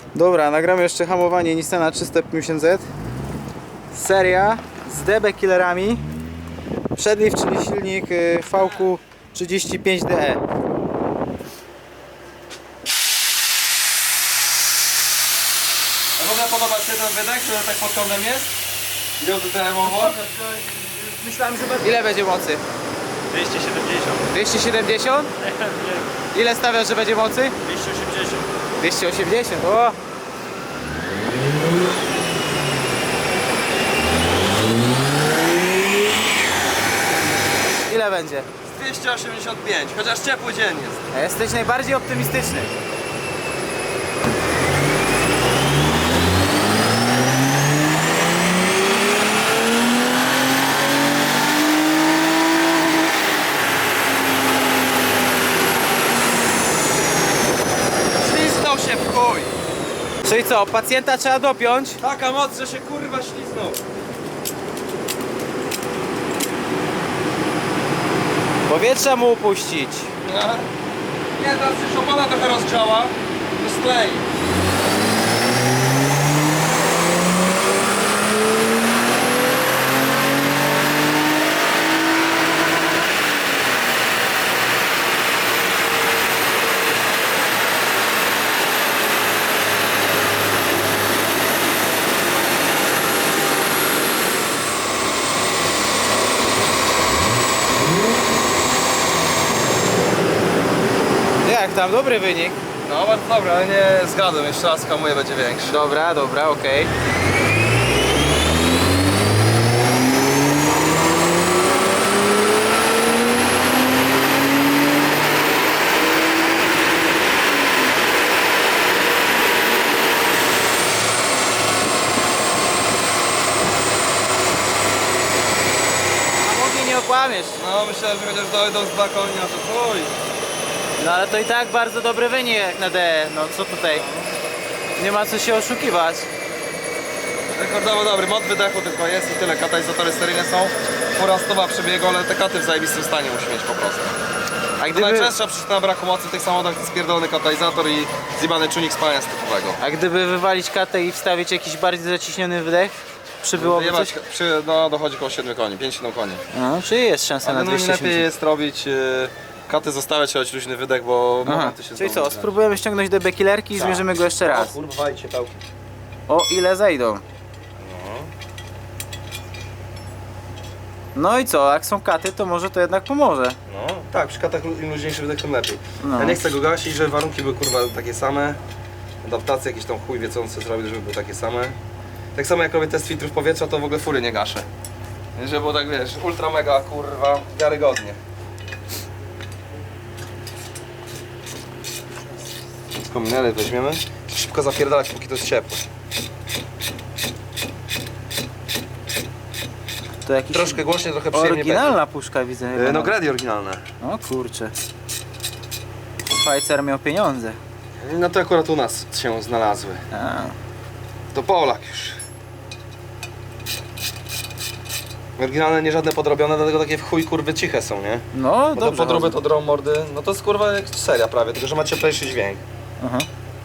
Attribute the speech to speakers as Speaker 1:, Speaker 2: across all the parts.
Speaker 1: Dobra, nagramy jeszcze hamowanie Nissana 350Z. Seria z DB killerami. Przedlift, czyli silnik VQ 35DE.
Speaker 2: A w ogóle podoba się ten wydech, który tak pod kątem jest? Wiodotelemowo?
Speaker 3: Myślałem, że będzie
Speaker 1: Ile będzie mocy?
Speaker 2: 270.
Speaker 1: 270? Ile stawiasz, że będzie mocy?
Speaker 2: 280.
Speaker 1: 280, o! Ile będzie?
Speaker 2: 285, chociaż ciepły dzień jest.
Speaker 1: A jesteś najbardziej optymistyczny.
Speaker 2: Śliznął się w chuj.
Speaker 1: Czyli co, pacjenta trzeba dopiąć?
Speaker 2: Taka moc, że się kurwa śliznął.
Speaker 1: Powietrza mu upuścić.
Speaker 2: Nie, teraz się opona trochę rozgrzała. To sklei.
Speaker 1: Jak tam, dobry wynik.
Speaker 2: No bardzo dobra, ale nie zgadłem. Jeszcze raz hamuje, będzie większy.
Speaker 1: Dobra, dobra, okej. Hamownie nie okłamiesz.
Speaker 2: No myślałem, że chociaż dojdą z balkonia, to chuj.
Speaker 1: No ale to i tak bardzo dobry wynik jak na DE. No co tutaj? Nie ma co się oszukiwać.
Speaker 2: Rekordowo dobry, mod wydechu tylko jest i tyle. Katalizatory seryjne są. Fura 100 przebiegu, ale te katy w zajebistym stanie musi mieć po prostu.
Speaker 1: A
Speaker 2: To
Speaker 1: gdyby,
Speaker 2: najczęstsza przyczyna braku mocy w tych samochodach to spierdolony katalizator i zjebany czujnik spalania typowego.
Speaker 1: wywalić katę i wstawić jakiś bardziej zaciśniony wydech, przybyłoby coś?
Speaker 2: No dochodzi około 7 koni, 5-7 koni.
Speaker 1: No, czyli jest szansa
Speaker 2: Ale
Speaker 1: na
Speaker 2: no
Speaker 1: 280.
Speaker 2: lepiej jest robić katy zostawiać, choć luźny wydech, bo
Speaker 1: Aha,
Speaker 2: momenty się
Speaker 1: czyli
Speaker 2: znowu
Speaker 1: co,
Speaker 2: źle.
Speaker 1: spróbujemy ściągnąć DB killerki i
Speaker 2: Tak.
Speaker 1: zmierzymy go jeszcze raz.
Speaker 2: Kurwa, wajcie pałki.
Speaker 1: O ile zejdą. No i co, jak są katy, to może to jednak pomoże.
Speaker 2: No tak, przy katach im luźniejszy wydech, tym lepiej.
Speaker 1: No.
Speaker 2: Ja nie chcę go gasić, żeby warunki były kurwa takie same. Adaptacje jakieś tam chuj wie co on chce zrobić, żeby były takie same. Tak samo jak robię test filtrów powietrza, to w ogóle fury nie gaszę. Żeby było tak wiesz, ultra mega kurwa, wiarygodnie. Kominery weźmiemy. Szybko zapierdalać, póki to jest ciepłe.
Speaker 1: To jakiś
Speaker 2: Troszkę głośniej, trochę przyjemniej
Speaker 1: oryginalna puszka widzę.
Speaker 2: będzie. No Grady oryginalne.
Speaker 1: O kurczę. Szwajcar miał pieniądze.
Speaker 2: No to akurat u nas się znalazły.
Speaker 1: A,
Speaker 2: To Polak już. Oryginalne, nie żadne podrobione, dlatego takie w chuj kurwy ciche są, nie?
Speaker 1: no
Speaker 2: Bo to
Speaker 1: dobrze.
Speaker 2: podróby
Speaker 1: chodzą.
Speaker 2: to drą mordy, no to jest kurwa jak seria prawie, tylko że ma cieplejszy dźwięk.
Speaker 1: Aha.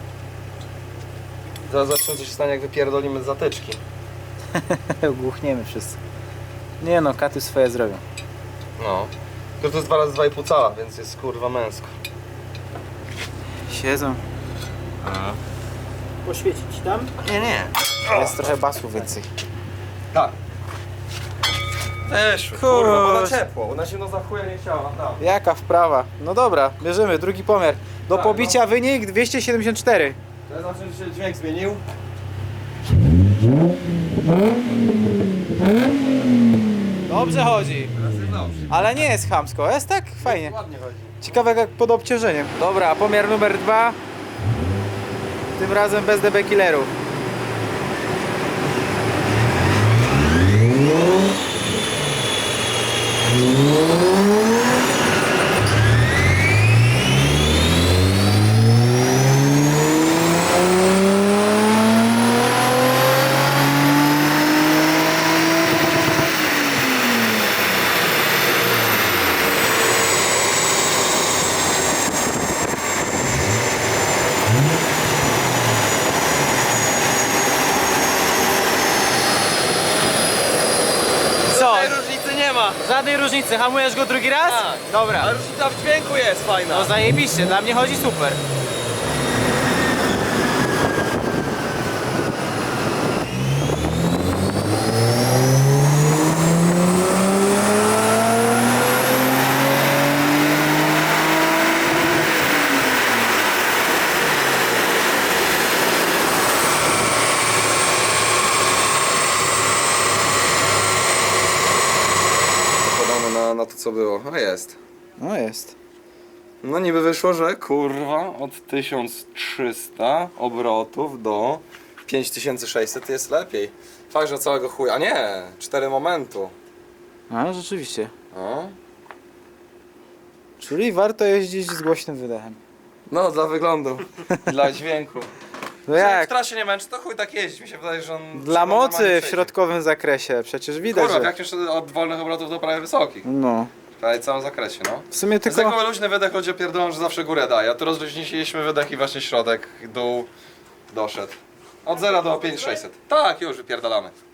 Speaker 2: Zaraz zobaczymy co się stanie jak wypierdolimy z zatyczki.
Speaker 1: Głuchniemy wszyscy. Nie no, katy swoje zrobią.
Speaker 2: No. Tylko to jest 2 razy 2,5 cala, więc jest kurwa męsko.
Speaker 1: Siedzą.
Speaker 3: poświecić tam.
Speaker 2: Nie, nie.
Speaker 1: Jest trochę basu więcej.
Speaker 2: Tak. Też,
Speaker 1: Kurwa.
Speaker 2: kurwa, bo na ciepło, bo na zimno za chuja nie chciała, naprawdę.
Speaker 1: Jaka wprawa? No dobra, bierzemy drugi pomiar. Do
Speaker 2: Tak,
Speaker 1: pobicia wynik 274.
Speaker 2: To znaczy, że się dźwięk zmienił.
Speaker 1: Dobrze chodzi.
Speaker 2: Teraz jest dobrze.
Speaker 1: Ale nie jest chamsko, jest tak fajnie.
Speaker 2: Ładnie chodzi.
Speaker 1: Ciekawe jak pod obciążeniem. Dobra, pomiar numer 2. Tym razem bez DB killerów. Żadnej różnicy, hamujesz go drugi raz?
Speaker 2: Tak.
Speaker 1: Dobra.
Speaker 2: A różnica w dźwięku jest fajna.
Speaker 1: No zajebiście, dla mnie chodzi super.
Speaker 2: Podamy na to co było. A jest.
Speaker 1: No jest.
Speaker 2: No niby wyszło, że kurwa od 1300 obrotów do 5600 jest lepiej. Fakt, że całego chuja. A nie! 4 momentu.
Speaker 1: A, rzeczywiście.
Speaker 2: O.
Speaker 1: Czyli warto jeździć z głośnym wydechem.
Speaker 2: No, dla wyglądu. Dla dźwięku.
Speaker 1: No
Speaker 2: Jak w
Speaker 1: jak?
Speaker 2: trasie nie męczy, to chuj tak jeździ. Mi się wydaje, że on...
Speaker 1: Dla
Speaker 2: że on normalnie
Speaker 1: mocy w
Speaker 2: przejdzie.
Speaker 1: środkowym zakresie, przecież widać,
Speaker 2: Kurwa,
Speaker 1: że...
Speaker 2: jak już od wolnych obrotów do prawie wysokich.
Speaker 1: No.
Speaker 2: Prawie w całym zakresie, no.
Speaker 1: W sumie
Speaker 2: Tylko...
Speaker 1: tylko...
Speaker 2: Zwykły luźny wydech ludzie pierdolą, że zawsze górę daje, a tu rozluźniliśmy wydech i właśnie środek, dół doszedł. Od 0 do 5600. Tak, już wypierdalamy.